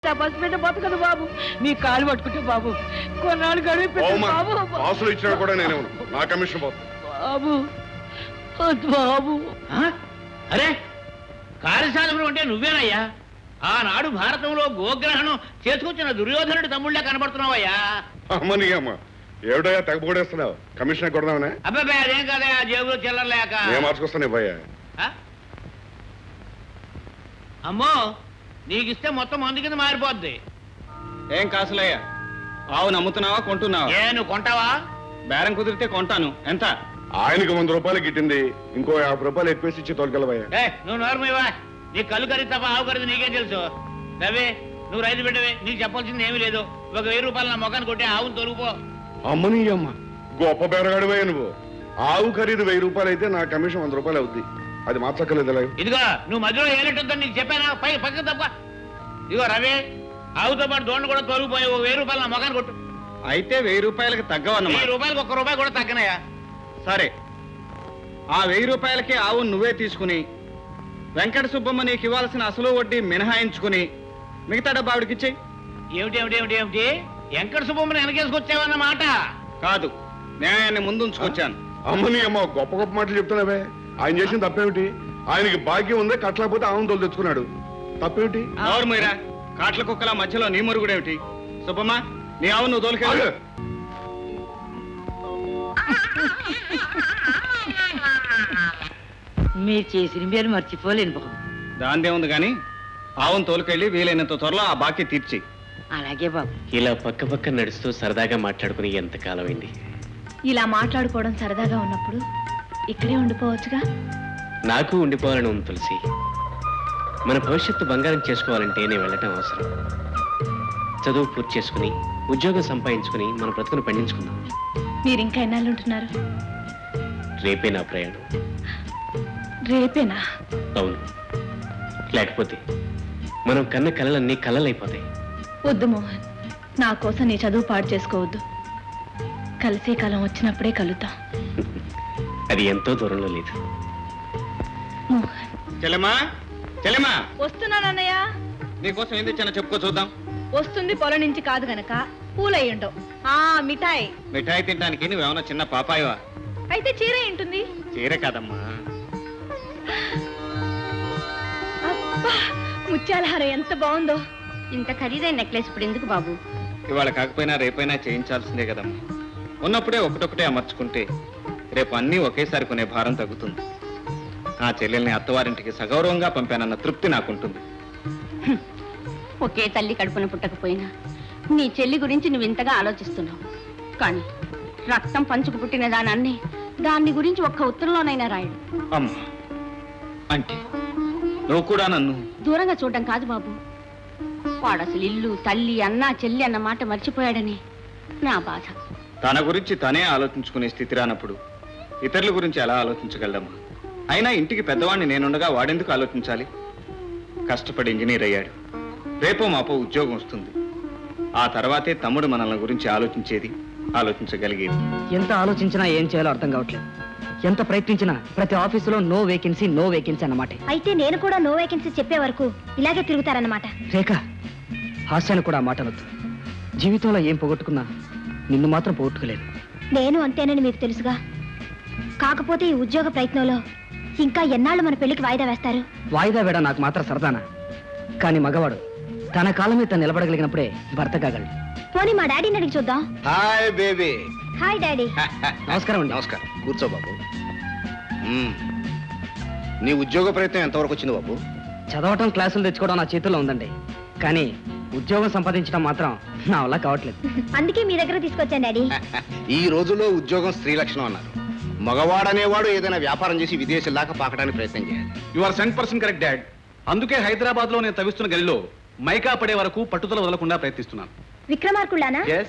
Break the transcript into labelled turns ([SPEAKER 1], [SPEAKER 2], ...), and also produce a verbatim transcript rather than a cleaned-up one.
[SPEAKER 1] పసిబిడ్డ బతకదు బాబు, మీ కాలు పట్టుకుంటే బాబు కొన్నాళ్ళు గడువు బాబు.
[SPEAKER 2] ఆసులు ఇచ్చినా కూడా నేను నా కమిషన్
[SPEAKER 1] బాబు బాబు.
[SPEAKER 3] అరే కార్యసాధకుడు అంటే నువ్వేనయ్యా? ఆనాడు భారతంలో గోగ్రహణం చేసుకొచ్చిన దుర్యోధనుడి తమ్ముళ్ళే కనబడుతున్నావయ్యా.
[SPEAKER 2] అమ్మని అమ్మ ఏమిటయ్యా తెగపోడేస్తున్నావు? కమిషన్ కొడదామనే?
[SPEAKER 3] అబ్బాయి అదేం కాదయా, జేబులో చిల్లరలేక
[SPEAKER 2] నేను మార్చుకొస్తాను భయ్యా.
[SPEAKER 3] అమ్మో నీకిస్తే మొత్తం మందు కింద మారిపోద్ది.
[SPEAKER 4] ఏం కాసులయ్యా, ఆవు నమ్ముతున్నావా కొంటున్నావా?
[SPEAKER 3] ఏ నువ్వు కొంటావా?
[SPEAKER 4] బేరం కుదిరితే కొంటాను. ఎంత?
[SPEAKER 2] ఆయనకి వంద రూపాయలు గిట్టింది, ఇంకో యాభై రూపాయలు ఎక్కువేసి ఇచ్చి తోలుకెళ్ళవయ్యా.
[SPEAKER 3] ఏ నువ్వు నోరమివా, నీ కళ్ళు ఖరీదు తప్ప ఆవు ఖరీదు నీకేం తెలుసు? రవి నువ్వు రైతు బిడ్డవే, నీకు చెప్పాల్సింది ఏమీ లేదు. ఒక వెయ్యి రూపాయలు నా మొఖాన్ని కొట్టి ఆవును తొలుగుపో.
[SPEAKER 2] అమ్మని అమ్మ గొప్ప బేరగాడివయ్యా నువ్వు. ఆవు ఖరీదు వెయ్యి రూపాయలు అయితే నా కమిషన్ వంద రూపాయలు అవుద్ది. అది మార్చక్కర్లేదు.
[SPEAKER 3] ఇదిగో నువ్వు మధ్యలో ఏలెట్టుందని నీకు చెప్పానా? పై పక్కన తప్ప. ఇదిగో రవి ఆవుతో పాటు దోండ కూడా తొలగిపోయి ఒక వెయ్యి రూపాయలు నా మొఖాన్ని కొట్టు.
[SPEAKER 4] అయితే వెయ్యి రూపాయలకి తగ్గవన్నమాట.
[SPEAKER 3] వెయ్యి రూపాయలకు ఒక్క రూపాయి కూడా తగ్గనయా.
[SPEAKER 4] సరే, ఆ వెయ్యి రూపాయలకి ఆవు నువ్వే తీసుకుని వెంకట సుబ్బమ్మ నీకు ఇవ్వాల్సిన అసలు వడ్డీ మినహాయించుకుని మిగతా డబ్బా ఆవిడకిచ్చేయి.
[SPEAKER 3] ఏమిటి ఏమిటి ఏమిటి ఏమిటి వెంకట సుబ్బమ్మని వెనకేసుకొచ్చావన్నమాట?
[SPEAKER 4] కాదు, న్యాయాన్ని ముందుంచుకొచ్చాను.
[SPEAKER 2] అమ్మని అమ్మ గొప్ప గొప్ప మాటలు చెప్తున్నావే. ఆయన చేసిన తప్పేమిటి? ఆయనకి భాగ్యం ఉందే, కట్టలేకపోతే ఆవును తోలు తెచ్చుకున్నాడు. తప్పేమిటి?
[SPEAKER 4] ఎవరు మీరా కాట్ల కుక్కల మధ్యలో నీ మురుగుడేమిటి? సుబ్బమ్మ నీ ఆవు నువ్వు తోలుకెళ్ళు.
[SPEAKER 1] మీరు చేసిన మీరు మర్చిపోలేను బాబు.
[SPEAKER 4] దాందే ఉంది గాని ఆవును తోలుకెళ్ళి వీలైనంత త్వరలో ఆ బాకీ తీర్చి.
[SPEAKER 1] అలాగే బాబు.
[SPEAKER 5] ఇలా పక్క పక్క నడుస్తూ సరదాగా మాట్లాడుకుని ఎంత కాలమైంది.
[SPEAKER 6] ఇలా మాట్లాడుకోవడం సరదాగా ఉన్నప్పుడు ఇక్కడే ఉండిపోవచ్చుగా.
[SPEAKER 5] నాకు ఉండిపోవాలని ఉంది తులసి. మన భవిష్యత్తు బంగారం చేసుకోవాలంటే నేను వెళ్ళటం అవసరం. చదువు పూర్తి చేసుకుని ఉద్యోగం సంపాదించుకుని మన బ్రతుకును పండించుకుందాం.
[SPEAKER 6] మీరు ఇంకా ఎన్నాళ్ళు ఉంటున్నారు?
[SPEAKER 5] రేపే నా ప్రయాణం.
[SPEAKER 6] రేపేనా?
[SPEAKER 5] అవును, లేకపోతే మనం కన్న కలలన్నీ కలలైపోతాయి.
[SPEAKER 6] వద్దు మోహన్, నా కోసం నీ చదువు పాడు చేసుకోవద్దు. కలిసే కాలం వచ్చినప్పుడే కలుద్దాం.
[SPEAKER 5] అది ఎంతో దూరంలో లేదు.
[SPEAKER 6] మోహన్.
[SPEAKER 4] చెల్లెమ్మా, చెల్లెమ్మా,
[SPEAKER 6] వస్తున్నానన్నయ్య.
[SPEAKER 4] నీకోసం ఏం తెచ్చానో చెప్పుకో చూద్దాం.
[SPEAKER 6] వస్తుంది పొలం నుంచి కాదు గనక పూలయ్యుండవు. ఆ మిఠాయి.
[SPEAKER 4] మిఠాయి తినడానికి నువ్వేమన్నా చిన్న పాపాయవా?
[SPEAKER 6] అయితే చీర ఏంటుంది?
[SPEAKER 4] చీర కాదమ్మా.
[SPEAKER 6] అబ్బా, ముత్యాల హారం ఎంత బాగుందో.
[SPEAKER 7] ఇంత ఖరీదైన నెక్లెస్ ఇప్పుడు ఎందుకు బాబు?
[SPEAKER 4] ఇవాళ కాకపోయినా రేపైనా చేయించాల్సిందే కదమ్మా. ఉన్నప్పుడే ఒకటొకటే అమర్చుకుంటే రేపు అన్నీ ఒకేసారి కొనే భారం తగ్గుతుంది. ఆ చెల్లెల్ని అత్తవారింటికి సగౌరవంగా పంపానన్న తృప్తి నాకుంటుంది.
[SPEAKER 7] ఒకే తల్లి కడుపున పుట్టకపోయినా నీ చెల్లి గురించి నువ్వు ఇంతగా ఆలోచిస్తున్నావు. కానీ రక్తం పంచుకు పుట్టిన దానాన్ని దాన్ని గురించి ఒక్క ఉత్తరంలోనైనా రాయడు.
[SPEAKER 4] అమ్మా, అంటే నువ్వు కూడా నన్ను
[SPEAKER 7] దూరంగా చూడడం కాదు బాబు. వాడు అసలు ఇల్లు తల్లి అన్న చెల్లి అన్న మాట మర్చిపోయాడని నా బాధ.
[SPEAKER 4] తన గురించి తనే ఆలోచించుకునే స్థితి రానప్పుడు ఇతరుల గురించి ఎలా ఆలోచించగలమ్మా? అయినా ఇంటికి పెద్దవాడిని నేనుండగా వాడెందుకు ఆలోచించాలి? కష్టపడి ఇంజనీర్ అయ్యాడు. రేపో మాపో ఉద్యోగం వస్తుంది. ఆ తర్వాతే తమ్ముడు మనల్ని గురించి ఆలోచించేది, ఆలోచించగలిగేది.
[SPEAKER 1] ఎంత ఆలోచించినా ఏం చేయాలో అర్థం కావట్లేదు. ఎంత ప్రయత్నించినా ప్రతి ఆఫీసులో నో వేకెన్సీ నో వేకెన్సీ అన్నమాట.
[SPEAKER 6] అయితే నేను కూడా నో వేకెన్సీ చెప్పే వరకు ఇలాగే తిరుగుతారన్నమాట.
[SPEAKER 1] రేఖ, హాస్యాన్ని కూడా మాటలొద్దు. జీవితంలో ఏం పోగొట్టుకున్నా నిన్ను మాత్రం పోగొట్టుకోలేదు.
[SPEAKER 6] నేను అంతేనని మీకు తెలుసుగా. కాకపోతే ఈ ఉద్యోగ ప్రయత్నంలో ఇంకా ఎన్నాళ్ళు మన పెళ్లికి వాయిదా వేస్తారు?
[SPEAKER 1] వాయిదా వేడ నాకు మాత్రం సరదానా? కానీ మగవాడు తన కాలం మీద తను నిలబడగలిగినప్పుడే భర్త కాగలడు.
[SPEAKER 6] పోనీ మా డాడీని అడిగి చూద్దాం.
[SPEAKER 4] Hi baby.
[SPEAKER 6] Hi daddy.
[SPEAKER 1] నమస్కారం అండి.
[SPEAKER 8] నమస్కారం. కూర్చో బాబు. నీ ఉద్యోగ ప్రయత్నం ఎంతవరకు వచ్చింది బాబు?
[SPEAKER 1] చదవటం క్లాసులు తెచ్చుకోవడం నా చేతుల్లో ఉందండి. కానీ ఉద్యోగం సంపాదించడం మాత్రం నా వల్ల కావట్లేదు.
[SPEAKER 6] అందుకే మీ దగ్గర తీసుకొచ్చాను డాడీ.
[SPEAKER 8] ఈ రోజుల్లో ఉద్యోగం స్త్రీ లక్షణం అన్నారు. మగవాడనేవాడు ఏదైనా వ్యాపారం చేసి విదేశాల దాకా పాకడానికి ప్రయత్నం చేయాలి.
[SPEAKER 4] You are cent percent correct dad. అందుకే హైదరాబాద్ లో నేను తవిస్తున్న గలిలో మైకా పడే వరకు పట్టుదల వదలకుండా ప్రయత్నిస్తున్నాను.
[SPEAKER 6] విక్రమార్కుళ్ళానా?
[SPEAKER 4] Yes.